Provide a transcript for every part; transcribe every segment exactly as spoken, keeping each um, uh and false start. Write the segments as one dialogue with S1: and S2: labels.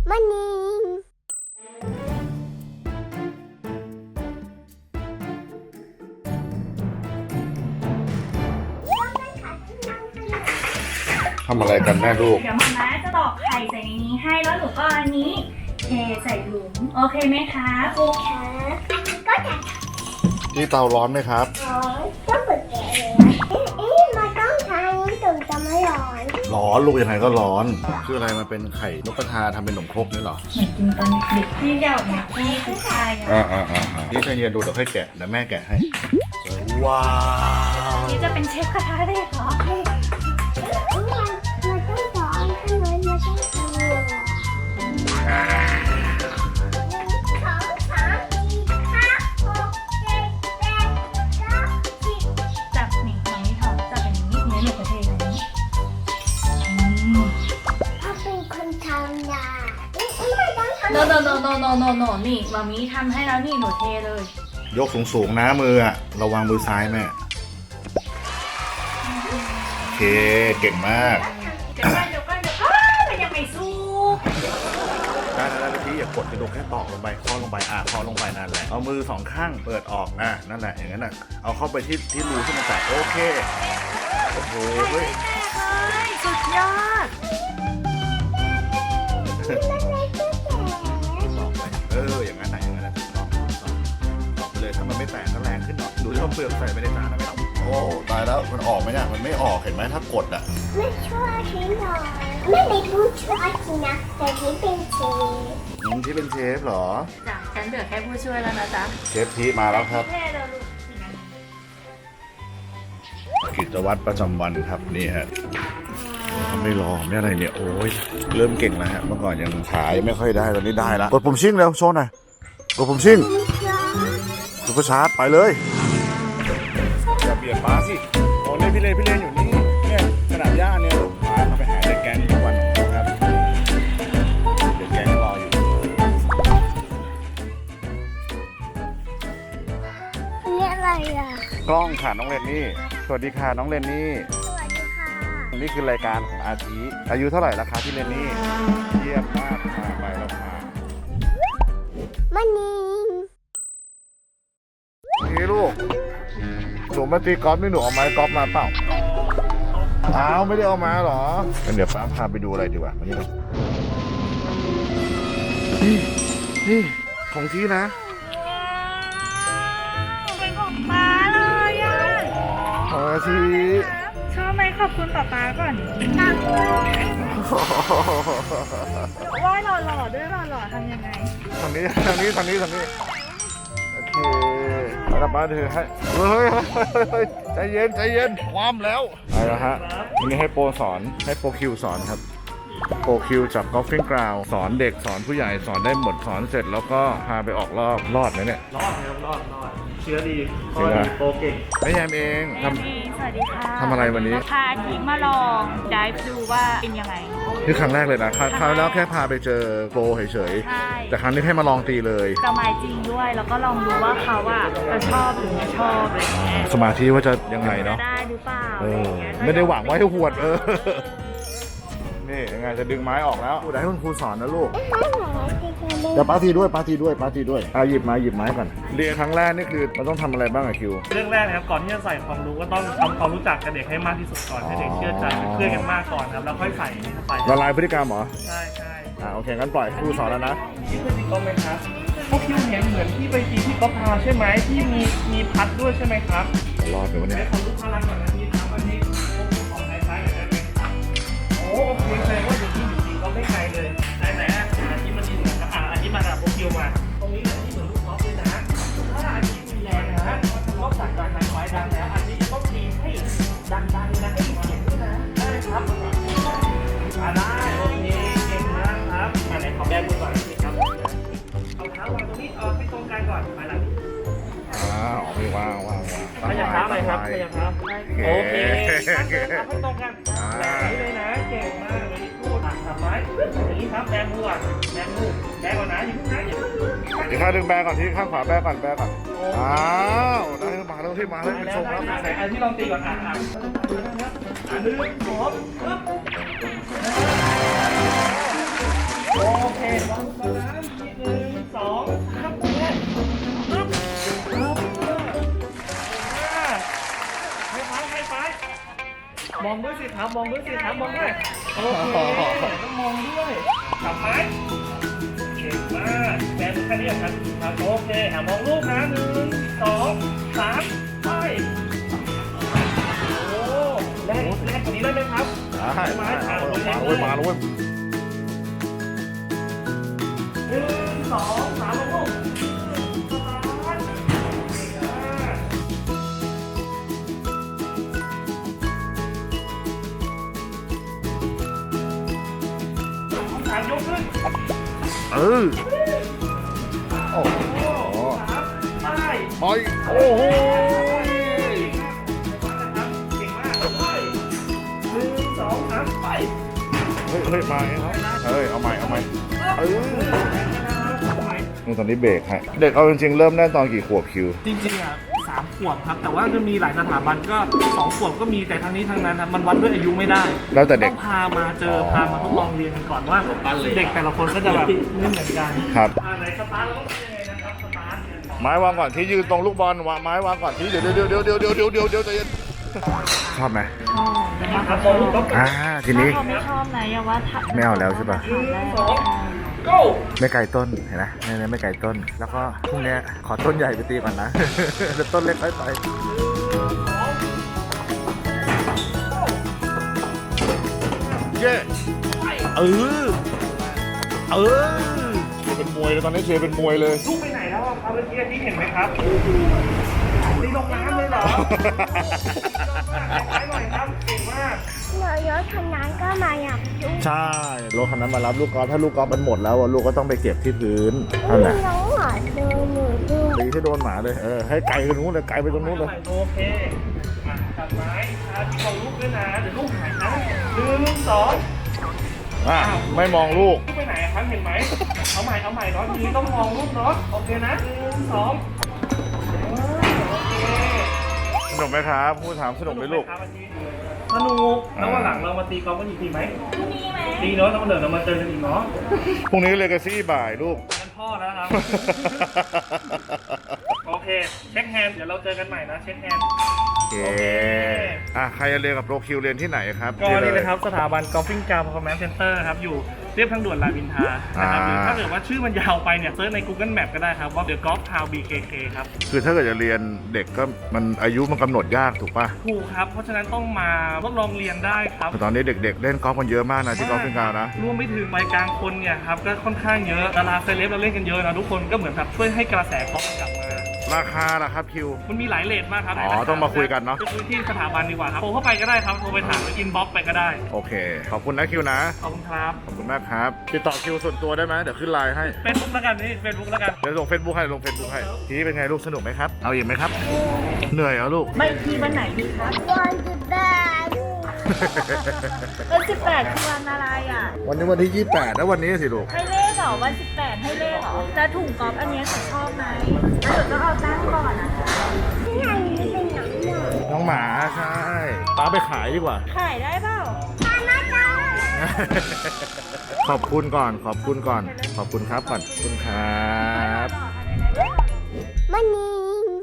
S1: มันยิง
S2: ทำอะไรกันแม่ลูก
S3: เดี๋ยวมาม่าจะตอกไข่ใส่ในนี้ให้แล้วหนูก็อันนี้เทใส่หลุมโอเคไหมคะ
S1: โอเคก็จะ
S2: ที่เตาร้อนไหมครับ
S1: ร้อนก็เปิดแก๊สเลยเอ๊ะมันต้องใช้ถึงจะไม่ร้อน
S2: ร้อนลูกยังไงก็ร้อน คืออะไรมันเป็นไข่นกกระทาทำเป็นขนมครกนี่เหรอ
S3: เหมือนกินตอนเด็กๆที่เดียวเนี่ยที่คือไข่อะ
S2: อ่าอ่าอ่านี่ใจเย็นดูเดี๋ยวค่อยแกะเดี๋ยวแม่แกะให้ ว้าว
S3: นี่จะเป็นเชฟกระทะได้เหรอ
S1: มันมันต้องร้อนขนาดมันต้องร้อนสองสามสี่ห้าหกเจ็ดแปดเก้าสิบ
S3: จับนี่ตรงนี้ถอดจับอย่างนี้เนื้อหนูกระเทยแบบนี้อืม
S1: ถ้าเป็นคนทำนะไม่ต้องทำ
S3: โนโนโนโนโนโนโนนี่มามีทำให้แล้วนี่หนูเทเลย
S2: ยกสูงๆนะมืออะระวังมือซ้ายแม่ โอเค เก่งมาก
S3: เดี๋ยวก่อนเดี๋ยวก่อนเดี๋ยวก่อนมันยังไม่สู้
S2: ได้แล้วแล้วพี่อย่ากดกระดูกแค่ตอกลงไปเคาะลงไปอ่ะเคาะลงไปนั่นแหละ เอามือสองข้างเปิดออกอ่ะนั่นแหละอย่างนั้นอ่ะ เอาเข้าไปที่ที่รูที่มันแตกโอเค โอ้โหเฮ้ย
S3: แตกเลยสุดยอด
S2: ตอกไปเอออย่างนั้นไหนอย่างนั้นแหละถูกต้องถูกต้องตอกไปเลยถ้ามันไม่แตกก็แรงขึ้นหน่อยดูที่ว่าเปลือกใส่ไปในจานนะไม่ต้องโอ้ตายแล้วมันออกไหมเนี่ยมันไม่ออกเห็นไหมถ้ากดอ่ะ
S1: ไม่ช่วยทิ้งหน่อยไม่เป็นผู้ช่วยจริงนะแต่ที่เป็นเชฟ
S2: อืมที่เป็นเชฟเหรอ
S3: จ้ะฉันเหลือแค่ผู้ช่วยแล้วนะจ๊ะ
S2: เชฟทีมาแล้วครับ
S3: เท่เลยลูก
S2: กิจวัตรประจำวันครับนี่ฮะไม่รอไม่อะไรเนี่ยโอ้ยเริ่มเก่งแล้วฮะเมื่อก่อนยังขายไม่ค่อยได้ตอนนี้ได้แล้วกดปุ่มชิ่งเร็วโชว์หน่อยกดปุ่มชิ่งซุปเปอร์ชาร์จไปเลยอย่าเบียดป้าสิโอ้เนี่ยพี่เลนพี่เลนอยู่นี่เนี่ยสนามหญ้าเนี่ยพาเขาไปหาเด็กแก๊งทุกวันนะครับเด็กแก๊งรออยู่
S1: นี่อะไรอ่ะ
S2: กล้องค่ะน้องเรนนี่สวัสดีค่ะน้องเรนนี่
S1: สวัสดีค่ะ
S2: นี่คือรายการของอาทิอายุเท่าไหร่แล้วคะพี่เรนนี่เยี่ยมมากค่ะไปแล้วค่ะ
S1: มันยิง
S2: นี่ลูกหนูมาตีกอล์ฟนี่หนูเอาไม้กอล์ฟมาเปล่าอ้าวไม่ได้เอามาเหรองั้นเดี๋ยวป้าพาไปดูอะไรดีกว่าวันนี้เรานี่นี่ของที่นะ
S3: เป็นของป๊าเลยอ่ะ
S2: ของอาทิ
S3: ชอบไหมขอบคุณป๊าป๊าก่อนว่ายหล่อๆด้วยหล่อๆทำยังไง
S2: ทางนี้ทางนี้ทางนี้ทางนี้โอเคแล้วป้าถือให้เฮ้ยเฮ้ยใจเย็นใจเย็นความแล้วไปแล้วฮะวันนี้ให้โปรสอนให้โปรคิวสอนครับโปรคิวจากกอล์ฟฟิ้งกราวสอนเด็กสอนผู้ใหญ่สอนได้หมดสอนเสร็จแล้วก็พาไปออกรอบรอดไหมเนี่ย
S4: รอดครับรอดรอดเชื้อดี
S2: เชื้
S4: ข้อ
S2: อ
S4: ดีโปรเก่ง
S2: ไม่แยมเองท
S3: แอมมี่สวัสดีค่ะ
S2: ทำอะไรวันนี้
S3: พาทีมมาลองดิฟดูว่าเป็นยังไง
S2: ำนี่ครั้งแรกเลยนะครั้งคราวแล้วแค่พาไปเจอโปรเฉย
S3: ใช่
S2: ๆแต่ครั้งนี้ให้มาลองตีเลย
S3: จะมาจริงด้วยแล้วก็ลองดูว่าเขาอะจะชอบหรือไม่ชอบอะไรอย่างเงี้ย
S2: สมาธิว่าจะยังไง
S3: จะ
S2: เนาะ
S3: ได้หรือเปล่า
S2: เอ
S3: อะไร
S2: อ
S3: อย่างเงี้ย
S2: ไม่ได้หวังว่าให้หวดเออนี่ยังไงจะดึงไม้ออกแล้วเดี๋ยวให้คุณครูสอนนะลูก
S1: ไม่หรอจริงๆ
S2: เดี๋ยวป้าทีด้วยป้าทีด้วยป้าทีด้วยอ่ะหยิบมาหยิบไม้ก่อนเรียนครั้งแรกนี่คือมันต้องทำอะไรบ้างอะคิว
S4: เรื่องแรกนะครับก่อนที่จะใส่ความรู้ก็ต้องทำความรู้จักกับเด็กให้มากที่สุดก่อนให้เด็กเชื่อใจเป็นเพื่อนกันมากก่อนครับแล้วค่อยใส่เข้าไป
S2: ละลายพฤติกรรมเหรอ
S4: ใช่ใช่
S2: อ่าโอเคงั้นปล่อยครูสอนแล้วนะ
S4: ที่เคยตีกอล์ฟไหมครับพวกคิวเห็นเหมือนที่ไปตีที่กอล์ฟพาใช่ไหมที่มีมีพัดด้วยใช่ไหมครับ
S2: รอดไปวันนี้
S4: ให้ความรู้พลังก่อนนะพี่ครับอันนี้พวกคุณของไทยซ้ายกับไทยเป็นครับโอ้โอเคแสดงว่าอยู่ที่อยู่จริงก็ไม่ไกลเลยไหนไหนอ่ะอันนี้มันดีเหมือนกันอ่ะอันนี้มันอ่ะพวกคิวมาตรงนี้เลยที่เหมือนลูกกอล์ฟเลยนะถ้าอันนี้มีแรงนะฮะก็สั่งการไฟไฟดังแล้วอันนี้จะต้องตีให้ดังๆนะให้มีเสียงด้วยนะได้ครับอ่าได้โอเคเก่งมากครับอันไหนขอแบมือก่อนนิดครับเอาเท้าวางตรงนี้เอาให้ตรงกันก่อนไปหลัง
S2: อ่าออกไปวางวางวาง
S4: ขยับเท้าหน่อยครับขยับเท้าโอเคตั้งเดินครับให้ตรงกันแบบนี้เลยนะเก่งมากเลยพูดอ่ะทำไม้อย่างนี้ครับแบมืออ่ะแบมือแบก่อนนะอย่าเพิ่งนะอย่าเพิ่ง
S2: อีกข้างหนึ่งแบก่อนที่ข้างขวาแบก่อนแบก่อนอ้าวได้มาแล้วที่มาแล้วเป็น
S4: ได้
S2: ทรง
S4: ได้
S2: แล้ว
S4: ได้อันที่ลองตีก่อนอ่ะอ่ะอ่ะหนึ่งสองปึ๊บโอเคครับมองด้วยสิครับมองด้วยโอเคต้องมองด้วยจับไม้เก่งมากแบนแค่นี้ครับครับโอเคอ่ะมองลูกนะหนึ่งสองสามไปโอ้แรกแรกกว่านี้ได้ไหมครับ
S2: ได้มาแล้วเว้ยมาแล้วเว้ย
S4: หนึ่งสองสามลูกสามยกขึ้น
S2: เออโอ้โห
S4: ไป
S2: ไปโอ้โห
S4: เก่งมากไปหนึ่งสองสามไป
S2: เฮ้ยเฮ้ยมาไงครับเฮ้ยเอาใหม่เอาใหม่เออนี่ตอนนี้เบรกฮะเด็กเอาจริงๆเริ่มได้ตอนกี่ขวบคิว
S4: จริงๆอ่ะสามขวบครับ แต่ว่าจะมีหลายสถาบันก็สองขวบก็มีแต่ทั้งนี้ทั้งนั้นนะมันวัดด้วยอายุไม่ได้
S2: แล้วแต่เด็ก
S4: ต้องพามาเจอพามาทดลองเรียนกันก่อนว่าเด็กแต่ละคนก็จะแบบไม่เหมือนกัน
S2: ครับ
S4: อ่าไหนสตาร์ทเราต้องทำยังไงนะครับสตาร์ทเนี่ย
S2: ไม้วางก่อนที่ยืนตรงลูกบอลวางไม้วางก่อนที่เดี๋ยวเดี๋ยวเดี๋ยวเดี๋ยวเดี๋ยวเดี๋ยวเดี๋ยวเดี๋ยวใจเย็นชอบไหม
S4: นะครับมองลูกต้อง
S2: อ่าทีนี้
S3: เขาไม่ชอบนะอย่าว่าถ้า
S2: ไม่เอาแล้วใช่ป่ะ
S4: หนึ่งสอง go
S2: ไม่ไกลต้นเห็นไหมไม่ไม่ไม่ไกลต้น แล้วก็พรุ่งนี้ขอต้นใหญ่ไปตีก่อนนะ แล้วต้นเล็กค่อยไปเย้เออเออเป็นมวยเลยตอนนี้เชเป็นมวยเลย
S4: ลูกไปไหนแล้วอะครับเมื่อกี้ที่เห็นไหมครับตีลงน้ำเลยเหรอไปหน่อยครับเก่งมาก
S1: เมื่อยศทำงานก็มาอยากยุ่ง
S2: ใช่รถคันนั้นมารับลูกกอล์ฟถ้าลูกกอล์ฟมันหมดแล้วอะลูกก็ต้องไปเก็บที่พื้นนั่นแหละ
S1: น้องหมาเดินหนูด้วย
S2: ตีให้โดนหมาเลยเออให้ไกลไปตรงนู้นเลยไกลไปตรงนู้นเลย
S4: โอเคอ่ะจับไม้ครับที่มองลูกด้วยนะเดี๋ยวลูกหายนะหนึ่งสอง
S2: อ่ะไม่มองลูก
S4: ลูกไปไหนครับเห็นไหมเอาใหม่เอาใหม่เนาะทีนี้ต้องมองลูกเนาะโอเคนะหนึ่งสองโอเค
S2: สนุกไหมครับพูดถามสนุกไหมลูก
S4: สนุกแล้ววันหลังเรามาตีกอล์ฟกันอีกทีไหม
S3: พรุ่งนี้ไหม
S4: ตีเนาะแล้ววันเดี๋ยวเรามาเจอกันอีกเนาะ
S2: พรุ่งนี้เลกาซี่บ่ายลูก
S4: เป็นพ่อแล้วครับ โอเคเช็คแฮนด์เดี๋ยวเราเจอกันใหม่นะเช็คแฮนด์
S2: โอเคอ่ะใครจะเรียนกับโปรคิวเรียนที่ไหนครับ
S4: ก็นี่นะครับสถาบัน Golfing Car Performance Center ครับอยู่เรียบทางด่วนรามอินทรานะครับหรือถ้าเกิดว่าชื่อมันยาวไปเนี่ยเซิร์ชใน Google Map ก็ได้ครับว่า The Golf Town บี เค เค ครับ
S2: คือถ้าเกิดจะเรียนเด็กก็มันอายุมันกำหนดยากถูกป่ะ
S4: ถูกครับเพราะฉะนั้นต้องมาทดลองเรียนได้ครับ
S2: ตอนนี้เด็กๆเล่นกอล์ฟกันเยอะมากนะที่กอล์ฟเป็นการนะ
S4: รวมไปถึงวัยกลางคนเนี่ยครับก็ค่อนข้างเยอะดาราเซเลบเราเล่นกันเยอะนะทุกคนก็เหมือนแบบช่วยให้กระแสกอล์ฟกลับมา
S2: ราคาล่ะครับคิว
S4: มันมีหลายเลทมากครับ
S2: อ๋อต้องมาคุยกันเนอะ
S4: ไปคุยที่สถาบันดีกว่าครับโทรเข้าไปก็ได้ครับโทรไปถามอินบ็อกซ์ไปก็ได้
S2: โอเค ขอบคุณนะคิวนะ
S4: ขอบคุณครับ
S2: ขอบคุณมากครับ ติดต่อคิวส่วนตัวได้ไหมเดี๋ยวขึ้นไลน์ให้
S4: เฟซบุ๊กแล้วกันนี่เฟซบุ๊กแล้วกัน
S2: เดี๋ยวลงเฟซบุ๊กให้ลงเฟซบุ๊กให้ ทีนี้เป็นไงลูกสนุกไหมครับ เอาอีกไหมครับ เหนื่อยเหรอลูก
S3: ไม่ทีวันไหนดีครับ
S1: วันจุดแปด
S3: เออสิบแปดคือวันอะไรอ่ะ
S2: วันนี้วันที่ยี่สิบแปดแล้ววันนี้สิลูก
S3: ให้เลขเหรอวันสิบแปดให้เลขเหรอแต่ถุงกอล์ฟอันเนี้ยฉันชอบไหมแล้วเดี๋ยวต้องเอาตั้งก่อนนะคะ
S1: ที่ไหนนี่เป็นหนังหมา
S2: น้องหมาใช่ป้าไปขายดีกว่า
S3: ขายได้เปล่า
S1: ตามาจ้า
S2: ขอบคุณก่อน ขอบคุณก่อน ขอบคุณครับก่อนขอบคุณครับ
S1: มันนี่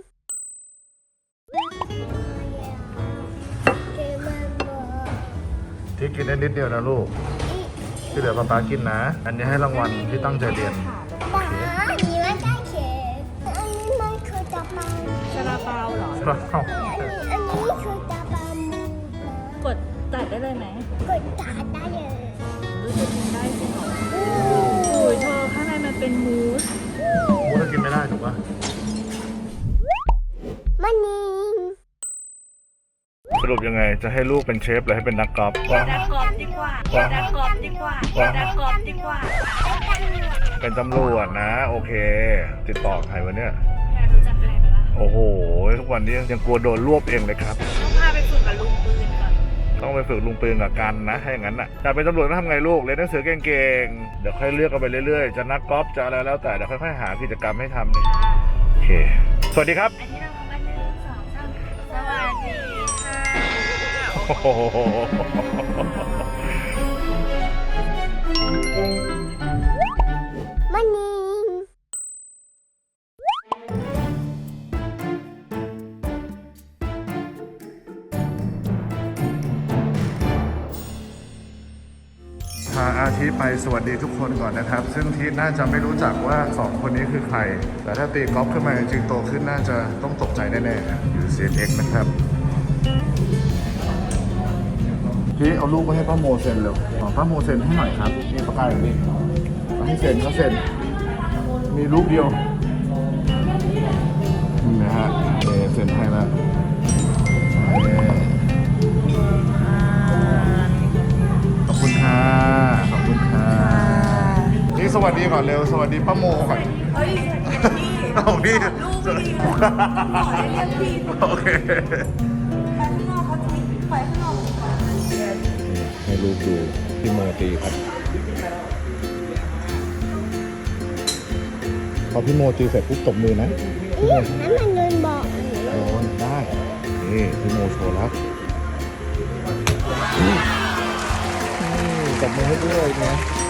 S1: เกมมันบอก
S2: ที่กินได้นิดเดียวนะลูก ที่เหลือป๊าป๊ากินนะ อันนี้ให้รางวัลที่ตั้งใจเรียน
S1: บ้านี่มันได้เข็มอันนี้มันคือตะปัน
S3: ซาลาเปาเหรอ
S2: เอ้า
S1: อันนี้อันนี้คือตะปัน
S3: กดตัดได้เลยไหม
S1: กดตาได้เลย
S3: รู้สึกกินได้จริงเหรอโอ้ยเธอข้างในมันเป็นมูส
S2: มูสกินไม่ได้ถูกปะ
S1: มันนี่
S2: สรุปยังไง จะให้ลูกเป็นเชฟหรือให้เป็นนักกอล์ฟว่า
S3: ดักกรอบดีกว่าดักกรอบดีกว่าดักกรอบดีกว่า
S2: เป็นตำรวจนะ โอเค ติดต่อใครวะเนี่ย
S3: อยากรู้จักใครไหมล่ะ
S2: โอ้โห ทุกวันนี้ยังกลัวโดนรวบเองเลยครับ
S3: ต้องพาไปฝึกกับลุงปืนก่อน
S2: ต้องไปฝึกลุงปืนกับกันนะถ้าอย่างนั้นน่ะแต่เป็นตำรวจต้องทำไงลูกเรียนหนังสือเก่งๆ เดี๋ยวค่อยเลือกกันไปเรื่อยๆ จะนักกอล์ฟจะอะไรแล้วแต่เดี๋ยวค่อยๆหากิจกรรมให้ทำเลยโอเค สวัสดีครับ
S3: อันนี้เราทำกันหนึ่งสองสามสวัสดีค่ะ
S2: โอ้โห
S1: มันนี่
S2: ทีไปสวัสดีทุกคนก่อนนะครับ ซึ่งทีน่าจะไม่รู้จักว่าสองคนนี้คือใคร แต่ถ้าตีกอล์ฟขึ้นมาจริงๆโตขึ้นน่าจะต้องตกใจแน่ๆครับอยู่ ซี เอ็น เอ็กซ์ นะครับทีเอาลูกไปให้ป้าโมเซ็นเร็วขอป้าโมเซ็นให้หน่อยครับนี่ปากกาอย่างนี้ให้เซ็นเขาเซ็นมีรูปเดียวนี่นะฮะเอเซ็นให้แล้วขอบคุณค่ะขอบคุณค่ะนี่สวัสดีก่อนเร็วสวัสดีป้าโมก่อน
S5: เฮ้ยพี่
S2: เอาพี่
S5: ลูกพี่ขอได้เรียกพี่
S2: โอเค
S5: ไปข้างนอกเขาทีไปข้างนอกดีกว่า
S2: ให้ลูกดูพี่โมตีครับพอพี่โมตีเสร็จปุ๊บตบมือนะพี่โม
S1: นั่นมันเงินบอก
S2: โอ้ยได้นี่พี่โมโชว์แล้วตบมือให้ด้วยนะ